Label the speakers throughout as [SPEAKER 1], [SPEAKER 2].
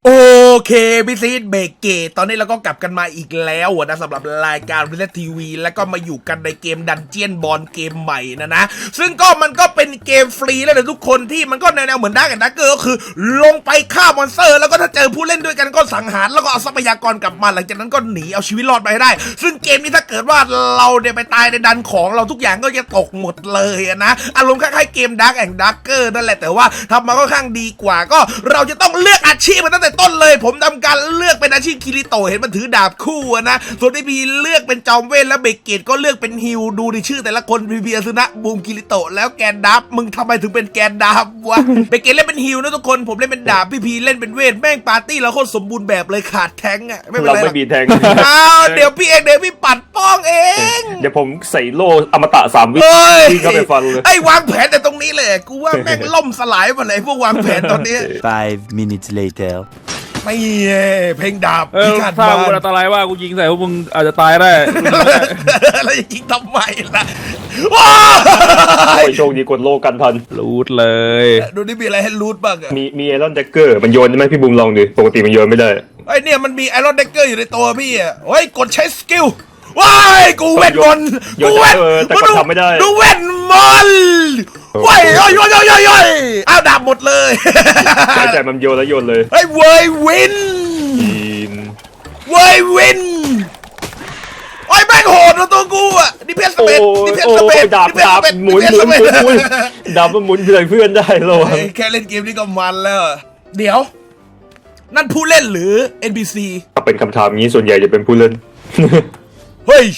[SPEAKER 1] โอเคพี่ซีดเบรกเกตตอนนี้เราก็กลับกันมาอีกแล้วนะสำหรับรายการ Reset TV แล้วก็มาอยู่กันในเกมดันเจียนบอลเกมใหม่นะซึ่งมันก็เป็นเกมฟรีแล้วนะทุกคนที่มันก็แนวเหมือนดักแอนด์ดักเกอร์ก็คือลงไปฆ่ามอนสเตอร์แล้วก็ถ้าเจอผู้เล่นด้วยกันก็สังหารแล้วก็เอาทรัพยากรกลับมาหลังจากนั้นก็หนีเอาชีวิตรอดไปให้ได้ซึ่งเกมนี้ถ้าเกิดว่าเราเนี่ยไปตายในดันของเราทุกอย่างก็จะตกหมดเลยนะอารมณ์คล้ายๆเกมดักแอนด์ดักเกอร์นั่นแหละแต่ว่าทำมาค่อนข้างดีกว่าก็เราจะต้องเลือกอาชีพมาตั้งแต่ต้นเลยผมทำการเลือกเป็นอาชีพคิริโตะเห็นมันถือดาบคู่นะส่วนที่พีเลือกเป็นจอมเวทและเบเกตก็เลือกเป็นฮิวดูในชื่อแต่ละคนพีอาซึนะบูมคิริโตะแล้วแกนดับมึงทำไมถึงเป็นแกนดับวะ เบเกตเล่นเป็นฮิวนะทุกคนผมเล่นเป็นดาบพีเล่นเป็นเวทแม่งปาร์ตี้เราโคตรสมบูรณ์แบบเลยขาดแทงอะไม่เป็นไรเรา
[SPEAKER 2] ไม่มีแทง
[SPEAKER 1] อ้าวเดี๋ยวพี่ปัดป้องเอง
[SPEAKER 2] เดี๋ยวผมใส่โล่อมตะ3 วิที่เข้าไปฟันเลย
[SPEAKER 1] ไอ้วางแผนแต่ตรงนี้เลยกูว่าแม่งล่มสลายหมดเลยพวกวางแผนตอนนี้
[SPEAKER 3] 5 minutes later
[SPEAKER 1] ไม่เพลงดาบพิฆาต
[SPEAKER 4] ถ้า
[SPEAKER 1] บ้า
[SPEAKER 4] มึง
[SPEAKER 1] น
[SPEAKER 4] อันตรายว่ากูยิงใส่พวกมึงอาจจะตายได้
[SPEAKER 1] แล้วจะยิงทำไมล่ะว้า
[SPEAKER 2] โอ้ยโชคดีกดโล่กันทัน
[SPEAKER 4] รูดเลย
[SPEAKER 1] ดูนี่มีอะไรให้รูทบ้างอะ
[SPEAKER 2] มีไอรอนแจ็คเกอร์มันโยนได้ไหมพี่บูมลองดูปกติมันโยนไม่ได้
[SPEAKER 1] ไอ้เนี่ยมันมีไอรอนเดกเกอร์อยู่ในตัวพี่อ่ะเฮ้ยกดใช้สกิลว้ายกูเวทมนต์
[SPEAKER 2] โยนแต่ก็ทำไม่ได้
[SPEAKER 1] ดูเวทมนต์ว้ายโยอ้าวดาบหมดเลย
[SPEAKER 2] ใช่มันโยนแล้วโยนเลย
[SPEAKER 1] เฮ้ยเวยวิน
[SPEAKER 2] จีน
[SPEAKER 1] เวยวินโอ้ยแม่งโหดนะตัวกูอ่ะนี่เพชรสเปดนี่เพชรสเปด
[SPEAKER 2] ดาบ
[SPEAKER 1] นี่เพชรสเปด
[SPEAKER 2] หมุนดาบมันหมุนเพื่อนเพื่อนได้แล้ว
[SPEAKER 1] แค่เล่นเกมนี้ก็มันแล้วเดี๋ยวนั่นผู้เล่นหรือ NPC
[SPEAKER 2] ถ้าเป็นคำถามนี้ส่วนใหญ่จะเป็นผู้เล่น
[SPEAKER 1] เฮ้ย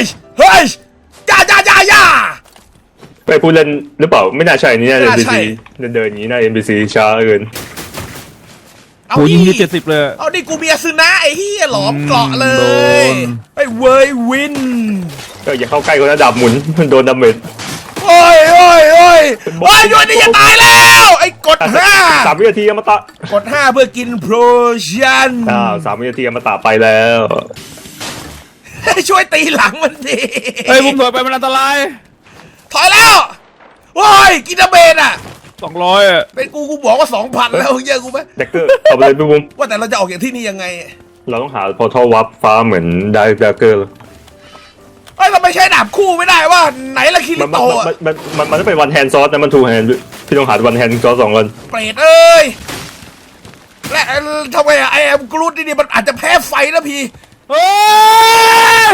[SPEAKER 1] จ้า
[SPEAKER 2] ไปผู้เล่นหรือเปล่าไม่น่าใช่นี่น่าจะ
[SPEAKER 1] น่าใช่
[SPEAKER 2] NPC เดินอย่างนี้น่า NPC ช้าเกิน
[SPEAKER 1] เอา
[SPEAKER 4] กูยิง
[SPEAKER 1] ดิ
[SPEAKER 4] ที่70เลย
[SPEAKER 1] เอาดิกูเบียร์ซึนะไอ้เฮียหลอมเกาะเล
[SPEAKER 4] โด
[SPEAKER 1] ย
[SPEAKER 4] น
[SPEAKER 1] ไอ้เวยวิน
[SPEAKER 2] ก็อย่าเข้าใกล้คนนะดาบหมุนมันโดนดาเมจ
[SPEAKER 1] โอ้ยด้วยนี่จะตายแล้วไอ้กด5
[SPEAKER 2] 3 วินาทีอมตะ
[SPEAKER 1] กด5เพื่อกินโพชั่น
[SPEAKER 2] 3 วินาทีอมตะไปแล้ว
[SPEAKER 1] ช่วยตีหลังมันดิ
[SPEAKER 4] เฮ้ยผมถอยไปมันอันตราย
[SPEAKER 1] ถอยแล้วโอ้ยกินเบนอ่ะ
[SPEAKER 4] 200อ่ะ
[SPEAKER 1] เป็นกูบอกว่า 2,000 แล้วเยอะกูไหม
[SPEAKER 2] แดกเกอร์เอาไปเลยพี่บุ้ม
[SPEAKER 1] ว่าแต่เราจะออกจากที่นี่ยังไง
[SPEAKER 2] เราต้องหาพอร์ทัลวับฟ้าเหมือนได้แดกเกอร์
[SPEAKER 1] เอ้ยเราไม่ใช้ดาบคู่ไม่ได้ว่าไหนละคิริ
[SPEAKER 2] มัน
[SPEAKER 1] โตะ
[SPEAKER 2] มันต้องเป็นวันแฮนด์ซอสนะมันทูแฮนด์พี่ต้องหาวันแฮนด์ซอส2 วัน
[SPEAKER 1] เปรตเอ้ยและทำไมอะไอแอมกรูดนี่มันอาจจะแพ้ไฟนะพี่
[SPEAKER 4] เฮ้ย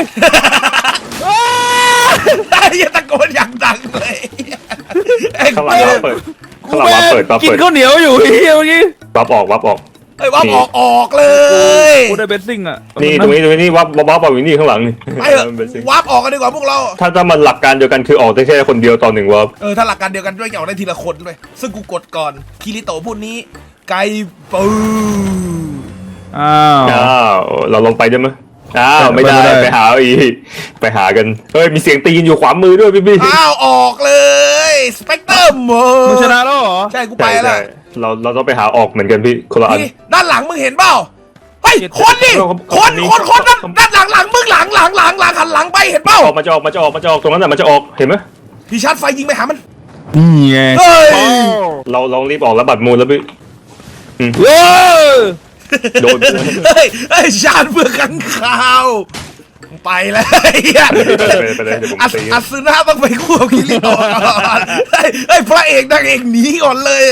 [SPEAKER 1] ไอ้ยตะโกนอย่างดังเลยไอ้
[SPEAKER 2] ข้างหลังวับเปิดข้างหลังวับเปิด
[SPEAKER 4] กินข้าวเหนียวอยู่เฮียเมื่อกี้
[SPEAKER 2] วับออก
[SPEAKER 1] ไอ้ว่าออกเลย
[SPEAKER 4] กูได้เบสซิ่งอ่ะ
[SPEAKER 2] นี่ตรงนี้วับอยู่นี่ข้างหลังนี่
[SPEAKER 1] ไปเถอะวาร์ปออกกันดีกว่าพวกเรา
[SPEAKER 2] ถ้ามันหลักการเดียวกันคือออกได้แค่คนเดียวต่อ1 วับ
[SPEAKER 1] ถ้าหลักการเดียวกันด้วยจะออกได้ทีละคนด้วยซึ่งกูกดก่อนคิริโตะพูดนี้ไกปู
[SPEAKER 4] อ้าว
[SPEAKER 2] เราลงไปได้ไหมไม่ได้
[SPEAKER 4] ไม่ได้
[SPEAKER 2] ไปหาอีกไปหากันเฮ้ยมีเสียงตีนอยู่ขวามือด้วยพี่
[SPEAKER 1] อ้าวออกเลยสเปกเตอร์โม
[SPEAKER 4] มึงชนะแล้วเหรอ
[SPEAKER 1] ใช่กูไปแล้ว
[SPEAKER 2] เราต้องไปหาออกเหมือนกันพี่คนละอัน
[SPEAKER 1] นี่ด้านหลังมึงเห็นเปล่าเฮ้ยคนดิ
[SPEAKER 2] ค
[SPEAKER 1] คน ด้านหลังมึงหลังหันหลังไปเห็นเปล่า
[SPEAKER 2] มันจะออกตรงนั้นน่ะมันจะออกเห็นไหม
[SPEAKER 1] พี่ชาร์จไฟยิงไปหามัน
[SPEAKER 4] นี่ไง
[SPEAKER 1] เฮ้ย
[SPEAKER 2] เราลองรีบออกแล้วบัตรมูลแล้วพี่
[SPEAKER 4] เว้ย
[SPEAKER 2] โดน
[SPEAKER 1] เฮ้ยชาร์จเพื่อขังข่าวไปแล้วไอ้เหี้ย
[SPEAKER 2] ไปเลยเดี๋ยวผมตี
[SPEAKER 1] อัศนะต้องไปคู่กับคิริโตะก่อนเฮ้ยพระเอกนางเอกหนีก่อนเลย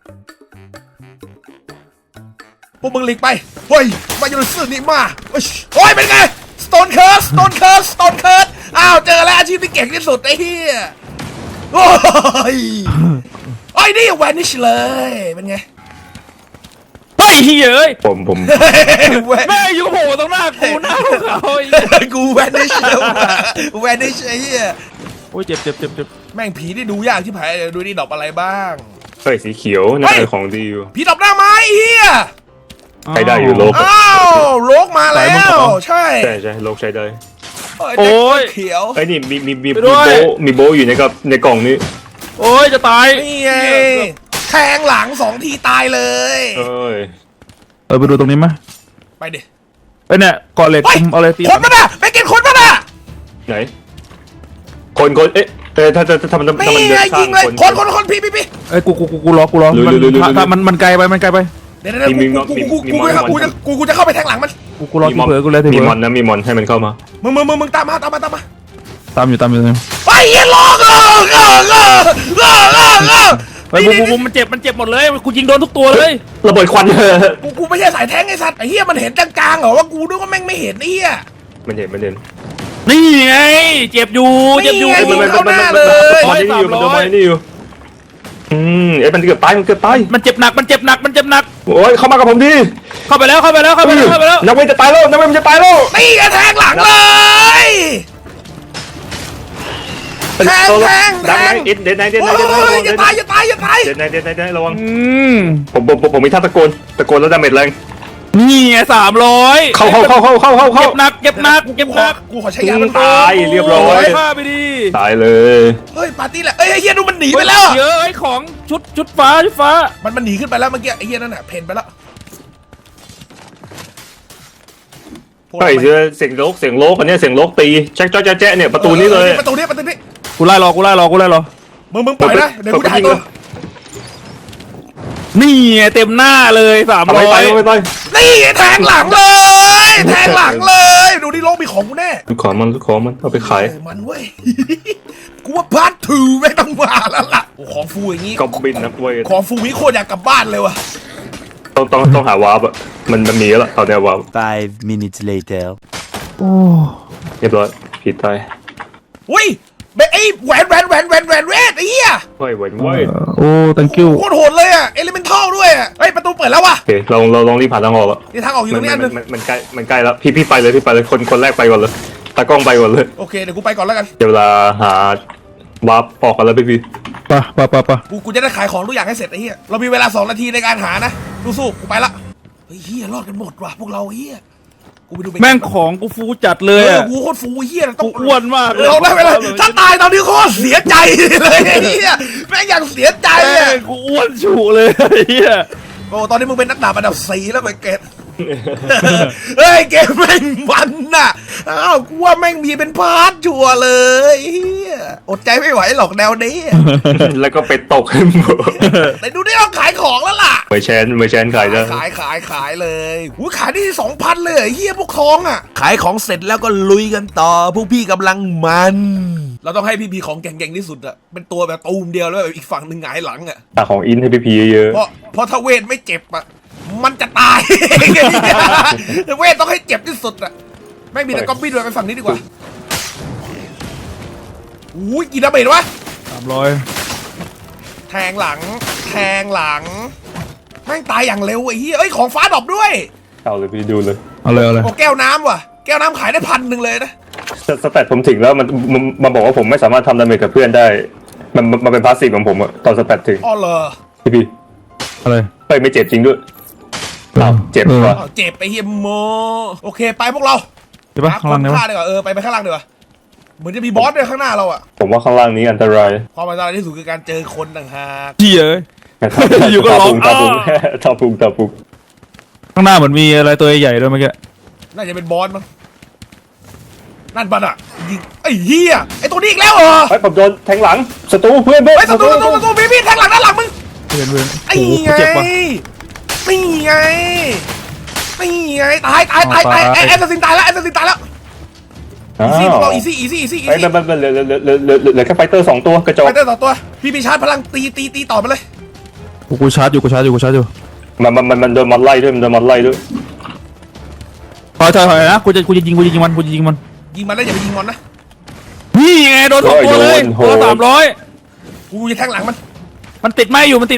[SPEAKER 1] พวกมึงหลีกไปเฮ้ยมาอยู่ในซื่อนี่มาโอ้ยเป็นไงสโตนเคิร์สอ้าวเจอแล้วอาชีพที่เก่งที่สุดไอ้เหี้ยโอ้ยไอ้นี่แวนิชเลยเป็นไง
[SPEAKER 4] เฮ้ยเฮียเอ้ย
[SPEAKER 2] ผม
[SPEAKER 4] แม่อยู่โผล่ตรงหน้ากูหน้าเขาอีก
[SPEAKER 1] กูแวนิชไอ้เหี้ย
[SPEAKER 4] โอ้ยเจ็บ
[SPEAKER 1] แม่งผีที่ดูยากที่ผายดูนี่ดอกอะไรบ้าง
[SPEAKER 2] เฮ้ยสีเขียวน่าจะของดีอยู่
[SPEAKER 1] ผีดอกหน้าไม้เฮีย
[SPEAKER 2] ใช้ได้อยู่โลก
[SPEAKER 1] อ้าวโลกมาแล้วใช่
[SPEAKER 2] ใช่โลกใช้ได้
[SPEAKER 1] โอ้ยเขียว
[SPEAKER 2] ไอ้นี่มีโบอยู่ในกล่องนี้
[SPEAKER 4] โอ้ยจะตาย
[SPEAKER 1] นี่ไงแทงหลัง2 ทีตายเลย
[SPEAKER 2] เอ้ย
[SPEAKER 4] ไปดูตรงนี้ไหม
[SPEAKER 1] ไปดิ
[SPEAKER 4] ไอเนี่ยเกาะเหล็กคุมเอาเลยตี
[SPEAKER 1] คนมันอ่ะไปกินคนมันอ่ะ
[SPEAKER 2] ไหนคนเอ๊ะถ้ามัน
[SPEAKER 1] นี่ไงยิงเลยคนพี่
[SPEAKER 4] ไอ้กูรอ
[SPEAKER 2] ลุย
[SPEAKER 4] ถ้ามันไกลไป
[SPEAKER 1] เดี๋ยวกูจะเข้าไปแทงหลังมัน
[SPEAKER 4] กูรอ
[SPEAKER 2] มี
[SPEAKER 4] ที
[SPEAKER 2] มอน
[SPEAKER 4] เผลอกูเลยที
[SPEAKER 2] มี
[SPEAKER 4] เผล
[SPEAKER 2] ม
[SPEAKER 4] อ
[SPEAKER 2] อนนะมีมอนให้มันเข้ามา
[SPEAKER 1] มึงตามมา
[SPEAKER 4] ตามอยู่
[SPEAKER 1] ไอ้เหี้ยลอก
[SPEAKER 4] ไปบูมันเจ็บหมดเลยกูยิงโดนทุกตัวเลย
[SPEAKER 2] ระเบิดควัน
[SPEAKER 1] กูไม่ใช่สายแทงไอ้สัตว์ไอ้เหี้ยมันเห็นจางๆเหรอว่ากูนึกว่าแม่งไม่เห็นไอ้เหี้ย
[SPEAKER 2] มันเห็นมันเห็น
[SPEAKER 4] นี่ไงเจ็บอยู่
[SPEAKER 1] นี่ไง
[SPEAKER 2] มัน
[SPEAKER 1] เข้าหน้าเลย
[SPEAKER 2] มันนี่อยู่มันโดนมันนี่อยู่มันเกือบตายมันเกือบตาย
[SPEAKER 4] มันเจ็บหนัก
[SPEAKER 2] โอ้ยเข้ามากับผมดิ
[SPEAKER 4] เข้าไปแล้ว
[SPEAKER 2] นักเวทจะตายแล้วนักเวทมันจะตายแล้ว
[SPEAKER 1] นี่ไงแทงหลังเลยแทง
[SPEAKER 2] ดังไหนเด็ดไหน
[SPEAKER 1] โอ้ยอย่าตาย
[SPEAKER 2] เด็ดไหนระวังผมมีท่าตะโกนแล้วดาเมจแรง
[SPEAKER 4] นี่ไง300
[SPEAKER 2] เข้า
[SPEAKER 4] เจ็บหนัก
[SPEAKER 1] กูขอใช้ยามัน
[SPEAKER 2] ตายเรียบร้อย
[SPEAKER 4] ฆ่าไปดิ
[SPEAKER 2] ตายเลย
[SPEAKER 1] เฮ้ยปาร์ตี้แหละเอ้ยไอ้เฮียดูมันหนีไปแล้ว
[SPEAKER 4] เยอะไอ้ของชุดฟ้า
[SPEAKER 1] มันหนีขึ้นไปแล้วเมื่อกี้ไอ้เฮียนั่นน่ะเพนไปแล้ว
[SPEAKER 2] เฮ้ยเสียงโลกอันนี้เสียงโลกตีแจ๊ะเนี่ยประตูนี้เลย
[SPEAKER 1] ประตูนี้
[SPEAKER 4] กูไล่รอ
[SPEAKER 1] มึงปล่อยนะเดี๋ยวกูจะหายตัว
[SPEAKER 4] นี่ไงเต็มหน้าเลย
[SPEAKER 2] ทำไมตาย
[SPEAKER 1] 300นี่แทงหลังเลย ดูดิโลกมีของกูแน่
[SPEAKER 2] ของมันเอาไปขาย
[SPEAKER 1] มันเว้ย กูว่าพาร์ท2ไม่ต้องมาแล้วล่ะโอ้ของฟูอย่างงี้
[SPEAKER 2] ก็บินนะเว้ย
[SPEAKER 1] ของฟูนี้โคตรอยากกลับบ้านเลยว่ะ
[SPEAKER 2] ต้องหาวาร์ปอะมันมีแล้วตอนนี้วาร์ป
[SPEAKER 3] 5 minutes later.
[SPEAKER 2] เรียบร้อยผิดตาย
[SPEAKER 1] อุ้ยไอ้แหวนเวทไอ้เหี้ย
[SPEAKER 2] เฮ้ยเว้ย
[SPEAKER 4] โอ้ thank you
[SPEAKER 1] โคตรโหดเลยอ่ะเอลิเมนทัลด้วยอ่ะเฮ้ยประตูเปิดแล้วว่ะ
[SPEAKER 2] โอเคเราลองรีบผ่านทางออกแล้ว
[SPEAKER 1] นี่ทางออกอยู่ตรงนี้อันนึง
[SPEAKER 2] มันใกล้แล้วพี่ไปเลยคนแรกไปก่อนเลยตากล้องไปก่อนเลย
[SPEAKER 1] โอเคเดี๋ยวกูไปก่อนแล้วกัน
[SPEAKER 2] เดี๋ยวเวลาหาวาร์ปออกกันแล้วพี่
[SPEAKER 4] ปะ
[SPEAKER 1] กูจะได้ขายของทุกอย่างให้เสร็จไอ้เหี้ยเรามีเวลา2 นาทีในการหานะสู้ๆกูไปละเฮ้ยเหี้ยรอดกันหมดว่ะพวกเราเหี้ยกูไปดู
[SPEAKER 4] แม่งของกูฟูจัดเลยอะ
[SPEAKER 1] กูโคตรฟูเหี้ยต้
[SPEAKER 4] กู
[SPEAKER 1] อง
[SPEAKER 4] อ้วนมากเลย
[SPEAKER 1] เราได้ไปเลยถ้าตายตอนนี้โคตรเสียใจเลยไอ้เหี้ยแม่งอย่างเสียใจ
[SPEAKER 4] แม่
[SPEAKER 1] อ่ะ
[SPEAKER 4] งกูอ้วนฉุเลยไอ้เหี้ย
[SPEAKER 1] โอ้ตอนนี้มึงเป็นนักดาบอันดับ4แล้วไปเกตเฮ้ยเกมแม่งมันน่ะอ้าวกูว่าแม่งมีเป็นพาร์ทชัวร์เลยเฮียอดใจไม่ไหวหรอกแนวนี้
[SPEAKER 2] แล้วก็ไปตกให้หมด
[SPEAKER 1] แต่ดูได้เอาขายของแล้วล่ะ
[SPEAKER 2] ไม่แชนขายได้
[SPEAKER 1] ขายเลยหูขายได้ที่ 2,000 เลยเหรอเฮียพวกทองอ่ะ ขายของเสร็จแล้วก็ลุยกันต่อพวกพี่กำลังมัน เราต้องให้พี่ของเก่งๆที่สุดอ่ะเป็นตัวแบบตูมเดียวแล้วแบบอีกฝั่งหนึ่งหงายหลังอ่ะ
[SPEAKER 2] ตาของอินให้พี่เยอะ
[SPEAKER 1] เพราะถ้าเวทไม่เจ็บอ่ะมันจะตาย เวทต้องให้เจ็บที่สุดอ่ะแม่งมีแต่ก๊อปปี้ด้วยไปฝั่งนี้ดีกว่าอุ้ยกี่ดาเมจวะ
[SPEAKER 4] 300
[SPEAKER 1] แทงหลังแม่งตายอย่างเร็วไอ้เหี้ยเอ้ยของฟ้าดรอปด้วย
[SPEAKER 2] เอาเลยพี่ดูเลย
[SPEAKER 4] เอาเลย
[SPEAKER 1] โอ้แก้วน้ำว่ะแก้วน้ำขายได้1,000เลยนะ
[SPEAKER 2] สแตทผมถึงแล้วมันบอกว่าผมไม่สามารถทำดาเมจกับเพื่อนได้มันเป็นพาสซีฟของผมอะตอนสแตทถึง
[SPEAKER 1] อ๋อเหรอ
[SPEAKER 2] พี่
[SPEAKER 4] อะไร
[SPEAKER 2] เฮ้ยไม่เจ็บจริงด้วยเจ็บว่ะ
[SPEAKER 1] อ๋อเจ็บไปเฮียโมโอเคไปพวกเรา
[SPEAKER 4] ใช่ปะข้างล่าง
[SPEAKER 1] ห
[SPEAKER 4] เนี่ย
[SPEAKER 1] ฆ่าดีกว่าไปข้างล่างดีกว่าเหมือนจะมีบอสด้วยข้างหน้าเราอะ
[SPEAKER 2] ผมว่าข้างล่างนี้อันตราย
[SPEAKER 1] ความอันตรายที่สุดคือการเจอคนต่างหาก
[SPEAKER 4] เหี้ย อยู่ก็ร้อง
[SPEAKER 2] ตาปุง
[SPEAKER 4] ข้างหน้าเหมือนมีอะไรตัวใหญ่ด้วยเมื่อกี้
[SPEAKER 1] น่าจะเป็นบอสมั้งนั่นบัตอะยิงไอ้เหี้ยไอ้ตัวนี้อีกแล้วเหรอ
[SPEAKER 2] เฮ้ยผมโดนแทงหลังศัตรูเพื่อน
[SPEAKER 1] ไอ้ศัตรูพี่แทงหลังด้านหลังมึง
[SPEAKER 4] เพื่อน
[SPEAKER 1] ไอ้
[SPEAKER 4] โอ้โห
[SPEAKER 1] ไง
[SPEAKER 4] เจ็บว่ะ
[SPEAKER 1] นี่ไงตายไอ้แอสซินตายแล้วอีซี่พวกเราอีซี่
[SPEAKER 2] ไอ้มันเหลือแค่ไฟเตอร์2ตัวกระจก
[SPEAKER 1] ไปเตอร์ต่อตัวพี่มีชาร์จพลังตีต่อมาเลย
[SPEAKER 4] กูชาร์จอยู่
[SPEAKER 2] มันโดนมันไล่ด้วย
[SPEAKER 4] ถอยนะกูจะยิงมัน
[SPEAKER 1] ยิงมันแล้วอย่าไปยิงมันนะ
[SPEAKER 4] นี่ไงโดน2ตัวเลยตัว300
[SPEAKER 1] กูจะแทงหลังมัน
[SPEAKER 4] มันติดไหมอยู่
[SPEAKER 2] ถอย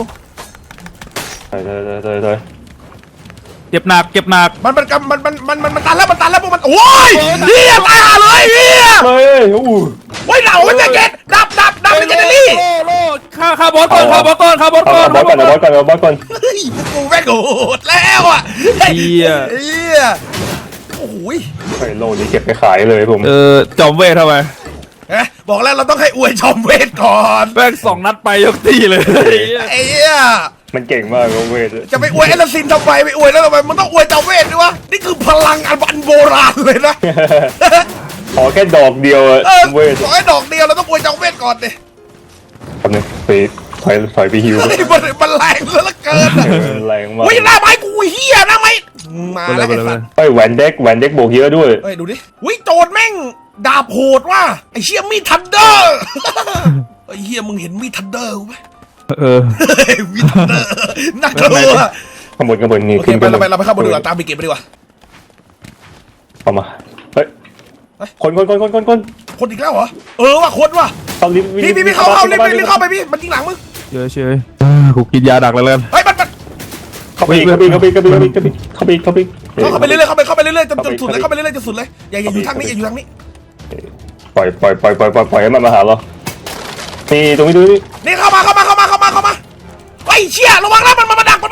[SPEAKER 4] เจ็บหนัก
[SPEAKER 1] มันตันแล้วพวกมันโอ้ยเฮียตายห่าเลยเฮีย
[SPEAKER 2] เฮ้ยอู้
[SPEAKER 1] โอ้ยเหล่ามันจะเก็ตดับเป็นเจเนอรี่
[SPEAKER 4] โลฆ่าบอสก่อน
[SPEAKER 2] เอาบอสก่อน
[SPEAKER 1] เฮ้ยพวกกูแม่งโหดแล้วอ่ะเฮียโอ้โห
[SPEAKER 2] ไอ้โลนี้เก็บไปขายเลยผม
[SPEAKER 4] จอมเวททำไม
[SPEAKER 1] บอกแล้วเราต้องให้อวยชมเวทก่อน
[SPEAKER 4] แม่ง2 นัดไปยกตีเลย
[SPEAKER 1] ไอ้เหี้ย
[SPEAKER 2] มันเก่งมากเวท
[SPEAKER 1] จะไปอวยแอลซินทำไมไปอวยแล้วทำไมมันต้องอวยเจ้าเวทด้วยวะนี่คือพลังอันโบราณเลยนะ
[SPEAKER 2] ขอแค่ดอกเดียวเวท
[SPEAKER 1] ขอให้ดอกเดียวเราต้องอวยเจ้าเวทก่อนดิ
[SPEAKER 2] คำนึงไปถอยไปฮิว
[SPEAKER 1] เฮ้ยมันแรงเหลือเกินอะ
[SPEAKER 2] แรงมาก
[SPEAKER 1] เฮ้ยหน้าไม้กูเฮียหน้าไม้มา
[SPEAKER 4] ไปเล
[SPEAKER 1] แล้
[SPEAKER 4] ยว ไป
[SPEAKER 1] ไอ้
[SPEAKER 4] เลยไป
[SPEAKER 1] สั
[SPEAKER 4] เล
[SPEAKER 1] ต
[SPEAKER 4] ย
[SPEAKER 1] ว์
[SPEAKER 2] เฮ้ยแหวนเด็กโบกเยอะด้วย
[SPEAKER 1] เฮ้ยดูดิวิโจดแม่งดาบโหดว่ะไอ้เชี่ยมีดทันเดอร์ไอ้เฮียมึงเห็นมีดทันเดอร์ไหม
[SPEAKER 4] เออ
[SPEAKER 1] เฮ้ยมีดทันเดอร์น่ากลัว
[SPEAKER 2] ข้างบนนี่
[SPEAKER 1] โอเคไปเราไปเข้าบนดีกว่าตามไปเก็บไปดีกว่า
[SPEAKER 2] เข้ามาเฮ้ยคน
[SPEAKER 1] คนอีกแล้วเหรอว่ะคนว่ะ
[SPEAKER 2] เข้าลิฟต์
[SPEAKER 1] พี่เข้ารีบเข้าไปพี่มันยิงหลังมึง
[SPEAKER 4] เฉยกูกินยาดักแล้วกัน
[SPEAKER 1] เฮ้ยมัน
[SPEAKER 2] เข้าไปเข้าไปเรื่อย
[SPEAKER 1] เข้าไปเรื่อยจนสุดเลยเข้าไปเรื่อยจนสุดเลยอย่าอยู่ทางนี้อย่าอยู่ทางนี้
[SPEAKER 2] ปล่อยให้มันมาหาเรานี่ตรงนี้ดูนี่
[SPEAKER 1] นี่เข้ามาไอ้เชี่ยระวังนะมันมาดัก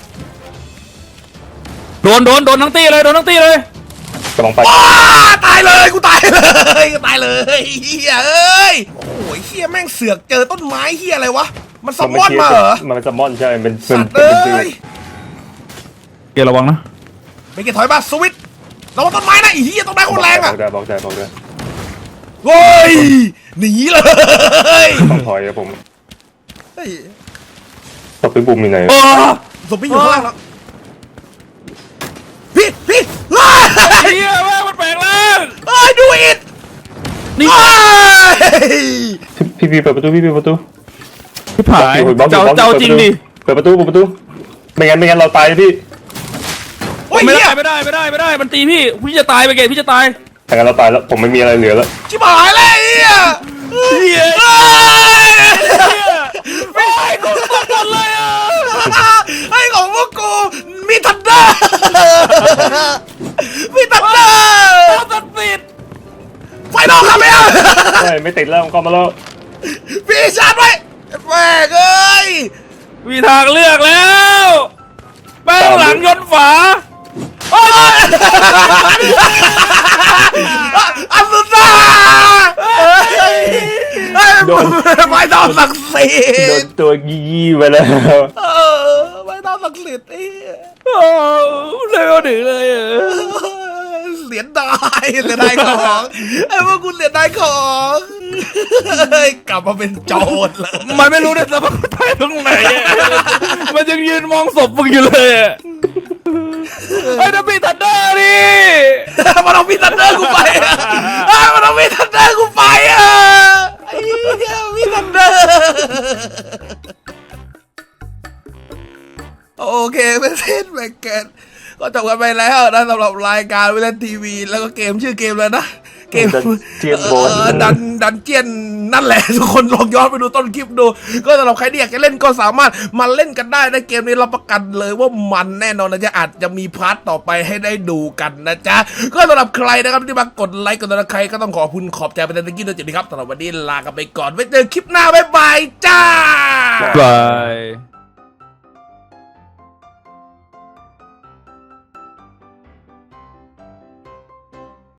[SPEAKER 4] โดนทั้งตีเลย
[SPEAKER 2] กำลังไป
[SPEAKER 1] ว้าตายเลยกูตายเลยเฮียเอ้ยโอ้ยเฮียแม่งเสือกเจอต้นไม้เฮียอะไรวะมันซัมมอนมาเหรอ
[SPEAKER 2] มันซัมมอนใช่เป็น
[SPEAKER 1] สัตว์เอ้ย
[SPEAKER 4] เกระวังนะ
[SPEAKER 1] ไปเก็บถอยมาสวิตระวังต้นไม้นะไอ้เฮียต้นไม้โคตรแรงอ่ะ
[SPEAKER 2] บอกได้
[SPEAKER 1] โว้ยหนีเลย
[SPEAKER 2] ต้องถอยครับผม
[SPEAKER 1] เฮ้ย
[SPEAKER 2] ตบไปบุ่มอยู่ไหน
[SPEAKER 4] โอ้
[SPEAKER 1] ศพพี่อยู่ข้างล่างแล้วพี่
[SPEAKER 4] เฮียแม่งมันแปลงร่าง
[SPEAKER 1] เอ้ยดูอิด
[SPEAKER 4] นี่
[SPEAKER 2] พี่เปิดประตู
[SPEAKER 4] พี่ผายเจ้าจริงดิ
[SPEAKER 2] เปิดประตูไม่งั้นเราตายพี่
[SPEAKER 1] โอ้ย
[SPEAKER 4] ไม่
[SPEAKER 1] เฮีย
[SPEAKER 4] ได้มันตีพี่จะตายไปเกตพี่จะตาย
[SPEAKER 2] ถ้างั้นเราตายแล้วผมไม่มีอะไรเหลือแล้ว
[SPEAKER 1] ชิบหายเลยเฮีย
[SPEAKER 4] ไม่ใช่กูตกหมดเลยอ่ะ
[SPEAKER 1] ไอ้ของพวกกูมีทันเดอร์มีทันเดอร์
[SPEAKER 4] ตัดสิทธิ์
[SPEAKER 1] ไฟนอกครับเนี่ย
[SPEAKER 2] ไม่ติดแล้วก็มาแล้ว
[SPEAKER 1] พี่ชาร์จไว้แม่งเอ้ย
[SPEAKER 4] มีทางเลือกแล้วแป้งหลังยนต์ฝา
[SPEAKER 1] อัศดาไม่ต้องศักดิ์สิ
[SPEAKER 2] โด
[SPEAKER 1] ท
[SPEAKER 2] น
[SPEAKER 1] ธิ์
[SPEAKER 2] ตัวยี่ไปแล้ว
[SPEAKER 1] ไม่ต้องศักดิ์สิทธิ์
[SPEAKER 4] โอ้เลยเอาถึงเลยอ่ะ
[SPEAKER 1] เสียดายของไอ้พวกกูเสียดายของกลับมาเป็นโจรเลย
[SPEAKER 4] มันไม่รู้ด้วยซ้ำว่ากูตายตรงไหนอะมันยังยืนมองศพมึงอยู่เลยอ่ะไอ้ดับบี้ทันเดอร์ดิ
[SPEAKER 1] มันเอามีทันเดอร์กูไปมันเอามีทันเดอร์กูไปไอ้เหี้ยมีทันเดอร์โอเคเป็นเส้นแบ่งกันก็จบกันไปแล้วนะสำหรับรายการวิลเลนทีวีแล้วก็เกมชื่อเกมเลยนะ เกม
[SPEAKER 2] Dungeon Ball
[SPEAKER 1] ดันเจียนนั่นแหละ ทุกคนลองย้อนไปดูต้นคลิปดู ก็สำหรับใครที่อยากจะเล่นก็สามารถมาเล่นกันได้ในเกมนี้รับประกันเลยว่ามันแน่นอนนะจ๊ะอาจจะมีพาร์ทต่อไปให้ได้ดูกันนะจ๊ะก็สำหรับใครนะครับที่มากดไลค์กดติดตามใครก็ต้องขอบคุณขอบใจไปในตะกี้ด้วยจริงๆครับสำหรับวันนี้ลากันไปก่อนไว้เจอคลิปหน้าบ๊ายบายจ้า
[SPEAKER 4] บาย